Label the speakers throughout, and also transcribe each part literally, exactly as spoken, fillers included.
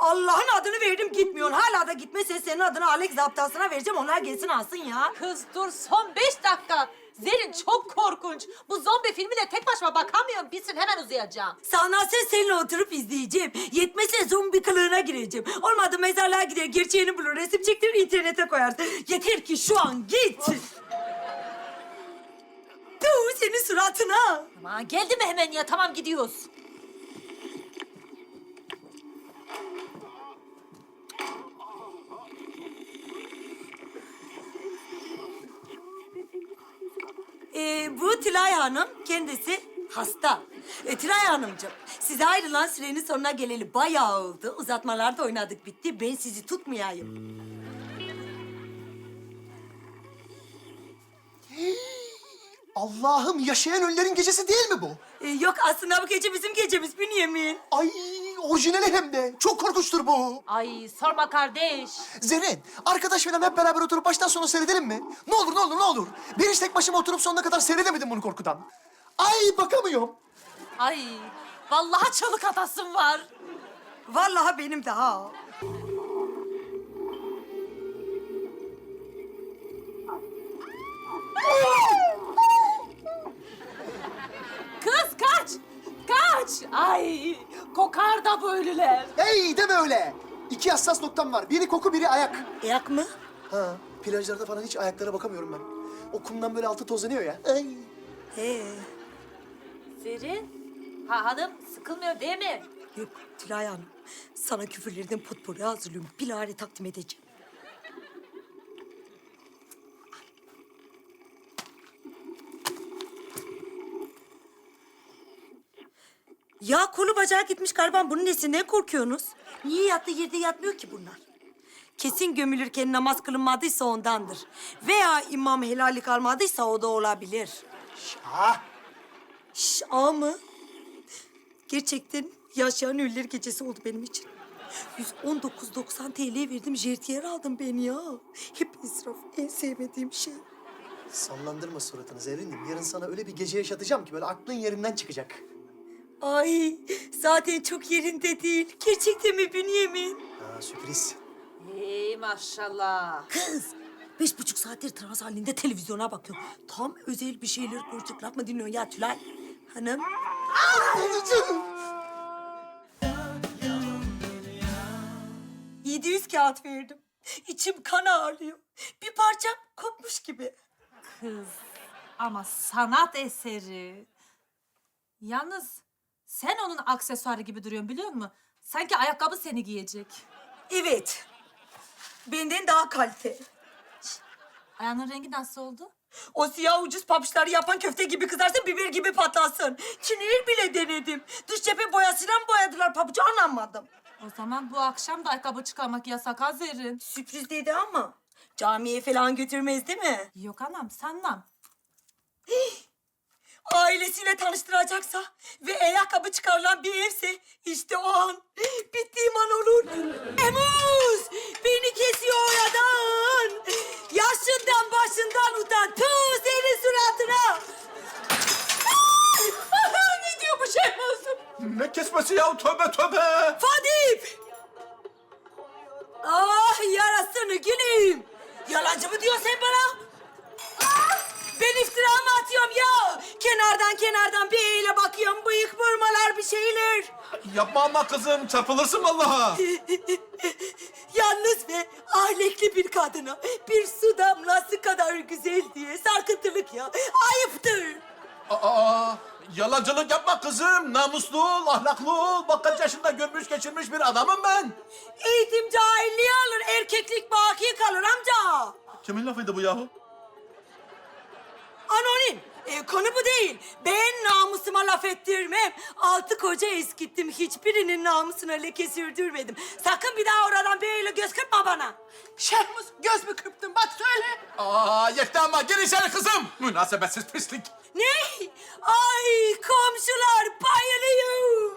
Speaker 1: Allah'ın adını verdim gitmiyorsun. Hala da gitmezsen senin adını Alex zaptasına vereceğim. Onlar gelsin alsın ya.
Speaker 2: Kız dur son beş dakika. Zerrin çok korkunç. Bu zombi filmine tek başıma bakamıyorum. Bitsin hemen uzayacağım.
Speaker 1: Sanatsen seninle oturup izleyeceğim. Yetmezse zombi kılığına gireceğim. Olmadı mezarlığa gider, gerçeğini bulur, resim çektirir, internete koyarsın. Yeter ki şu an git. Dur senin suratına.
Speaker 2: Aman geldi mi hemen ya? Tamam gidiyoruz.
Speaker 1: Ee, bu Tülay Hanım kendisi hasta. Ee, Tülay Hanımcığım, size ayrılan sürenin sonuna geleli bayağı oldu. Uzatmalarda oynadık bitti. Ben sizi tutmayayım.
Speaker 3: Allah'ım, yaşayan ölülerin gecesi değil mi bu?
Speaker 1: Ee, yok aslında bu gece bizim gecemiz Bünyamin.
Speaker 3: Ay, orijinali hem de. Çok korkunçtur bu.
Speaker 2: Ay sorma kardeş.
Speaker 3: Zerrin, arkadaş falan hep beraber oturup baştan sona seyredelim mi? Ne olur, ne olur, ne olur. Ben hiç tek başıma oturup sonuna kadar seyredemedim bunu korkudan. Ay, bakamıyorum.
Speaker 2: Ay vallahi çalık atasım var.
Speaker 1: Vallahi benim de ha.
Speaker 2: Kız kaç! Kaç! Ay kokar da bu ölüler.
Speaker 3: Hey, deme öyle. İki hassas noktam var. Biri koku, biri ayak.
Speaker 1: Ayak mı?
Speaker 3: Ha, plajlarda falan hiç ayaklara bakamıyorum ben. O kumdan böyle altı tozlanıyor ya. Ay.
Speaker 1: He.
Speaker 2: Zerrin, ha hanım sıkılmıyor değil mi?
Speaker 1: Yok Tülay Hanım, sana küfürlerden potpourri hazırlıyorum. Bilahare takdim edeceğim. Ya kolu bacağı gitmiş galiba. Bunun nesinden korkuyorsunuz? Niye yattığı yerde yatmıyor ki bunlar? Kesin gömülürken namaz kılınmadıysa ondandır. Veya imam helallik almadıysa o da olabilir.
Speaker 3: Şah.
Speaker 1: Şş, a mı? Gerçekten yaşayan ölüler gecesi oldu benim için. yüz on dokuz doksan T L verdim, jertiyer aldım ben ya. Hep israf, en sevmediğim şey.
Speaker 3: Sallandırma suratını Zerrin'im. Yarın sana öyle bir gece yaşatacağım ki böyle aklın yerinden çıkacak.
Speaker 1: Ay, zaten çok yerinde değil. Gerçekten mi Bünyamin?
Speaker 3: Ha, sürpriz.
Speaker 2: Hey maşallah.
Speaker 1: Kız, beş buçuk saattir trans halinde televizyona bakıyorum. Tam özel bir şeyler konuştuk. Laf mı dinliyorsun ya Tülay? Hanım? yedi yüz kağıt verdim. İçim kan ağrıyor. Bir parçam kopmuş gibi.
Speaker 2: Kız ama sanat eseri. Yalnız sen onun aksesuarı gibi duruyorsun biliyor musun? Sanki ayakkabı seni giyecek.
Speaker 1: Evet. Benden daha kalite.
Speaker 2: Ayağının rengi nasıl oldu?
Speaker 1: O siyah ucuz papuçları yapan köfte gibi kızarsın, biber gibi patlasın. Çinil bile denedim. Dış cephe boyasıyla mı boyadılar papucu anlamadım.
Speaker 2: O zaman bu akşam da ayakkabı çıkarmak yasak ha Zerrin.
Speaker 1: Sürpriz dedi ama camiye falan götürmez değil mi?
Speaker 2: Yok anam sanmam.
Speaker 1: Ailesiyle tanıştıracaksa ve ayakkabı çıkarılan bir evse işte o an bittiğim an olur. Emuz! Beni kesiyor oradan. Yaşından başından utan. Tüh senin suratına.
Speaker 2: Ne diyor bu Şehmuz?
Speaker 4: Ne kesmesi ya? Tövbe tövbe!
Speaker 1: Fadip! Ah yarasını güleyim. Yalancı mı diyorsun sen bana? Ben iftira mı atıyorum ya? Kenardan kenardan bir eyle bakıyorum. Bıyık vurmalar bir şeyler.
Speaker 4: Yapma ama kızım, çarpılırsın vallahi.
Speaker 1: Yalnız ve ahlekli bir kadına bir su damlası kadar güzel diye sarkıntılık ya. Ayıptır.
Speaker 4: Aa, yalancılık yapma kızım. Namuslu ol, ahlaklı ol. Bak kaç yaşında görmüş geçirmiş bir adamım ben.
Speaker 1: Eğitim cahilliği alır, erkeklik baki kalır amca.
Speaker 4: Kimin lafıydı bu yahu?
Speaker 1: Anonim. E, konu bu değil. Ben namusuma laf ettirmem. Altı koca eskittim. Hiçbirinin namusuna leke sürdürmedim. Sakın bir daha oradan böyle göz kırpma bana.
Speaker 5: Şehmuz göz mü kırptın bak söyle.
Speaker 4: Aa, yetti ama gir içeri kızım. Münasebetsiz pislik.
Speaker 1: Ne? Ay komşular bayılıyor.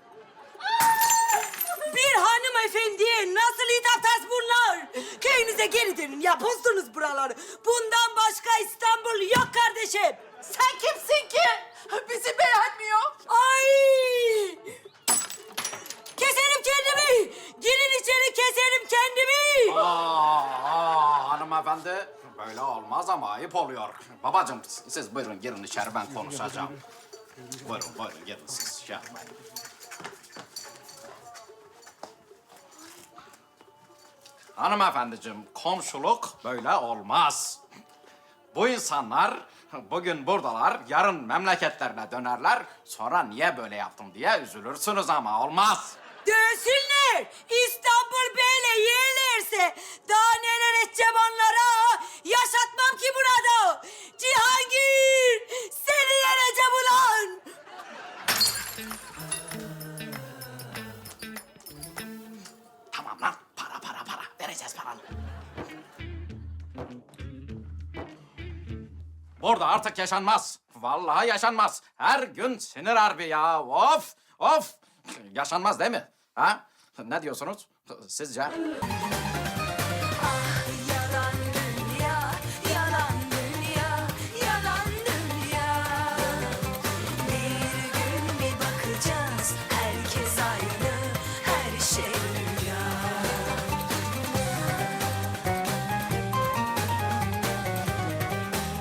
Speaker 1: Bir hanımefendiye nasıl hitap bunlar? Köyünüze geri dönün ya, bozdunuz buraları. Bundan başka İstanbul yok kardeşim.
Speaker 5: Sen kimsin ki? Bizi beğenmiyor.
Speaker 1: Ay! Keserim kendimi. Geri
Speaker 6: hanımefendi. Böyle olmaz ama ayıp oluyor. Babacığım siz buyurun girin içeri ben konuşacağım. Buyurun buyurun girin siz şey yapmayın. Hanımefendiciğim komşuluk böyle olmaz. Bu insanlar bugün buradalar, yarın memleketlerine dönerler. Sonra niye böyle yaptım diye üzülürsünüz ama olmaz.
Speaker 1: Dönsünler. İstanbul böyle yerlerse daha neler edeceğim onlara. Yaşatmam ki burada. Cihangir seni yeneceğim ulan.
Speaker 6: Tamam lan, para para para. Vereceğiz paranı. Burada artık yaşanmaz. Vallahi yaşanmaz. Her gün sinir harbi ya. Of, of. Yaşanmaz değil mi? Ha? Ne diyorsunuz sizce?